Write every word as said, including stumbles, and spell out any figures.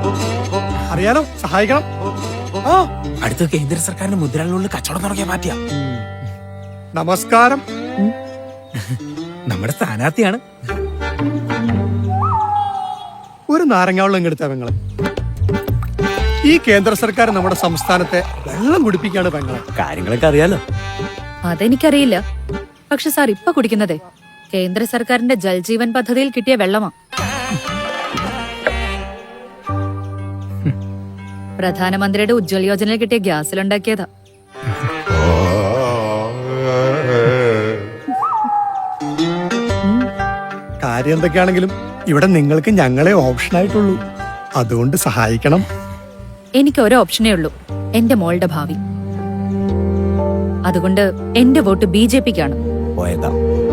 അറിയാലോ, സഹായിക്കണം. ആ അടുത്ത കേന്ദ്ര സർക്കാരിന്റെ മുദ്രകളിലുള്ള കച്ചവടം തുടങ്ങിയ പാർട്ടിയാ. നമസ്കാരം. നമ്മുടെ സ്ഥാനാർത്ഥിയാണ്. ഒരു നാരങ്ങാവെള്ളം ഇങ്ങെടുത്ത പെങ്ങളെ. ഈ കേന്ദ്ര സർക്കാർ നമ്മുടെ സംസ്ഥാനത്തെ വെള്ളം കുടിപ്പിക്കാണ് പെങ്ങളെ. കാര്യങ്ങളൊക്കെ അറിയാലോ. അതെനിക്കറിയില്ല. പക്ഷെ സാർ ഇപ്പൊ കുടിക്കുന്നതേ കേന്ദ്ര സർക്കാരിന്റെ ജൽജീവൻ പദ്ധതിയിൽ കിട്ടിയ വെള്ളമാ. പ്രധാനമന്ത്രിയുടെ ഉജ്ജ്വൽ യോജനയിൽ കിട്ടിയ ഗ്യാസിലുണ്ടാക്കിയതാ. കാര്യം എന്തൊക്കെയാണെങ്കിലും ഇവിടെ നിങ്ങൾക്ക് ഞങ്ങളെ ഓപ്ഷൻ ആയിട്ടുള്ളൂ. അതുകൊണ്ട് സഹായിക്കണം. എനിക്ക് ഒരു ഓപ്ഷനേ ഉള്ളൂ, എന്റെ മോളുടെ ഭാവി. അതുകൊണ്ട് എന്റെ വോട്ട് ബി ജെ പിക്കാണ്. പോയതാ.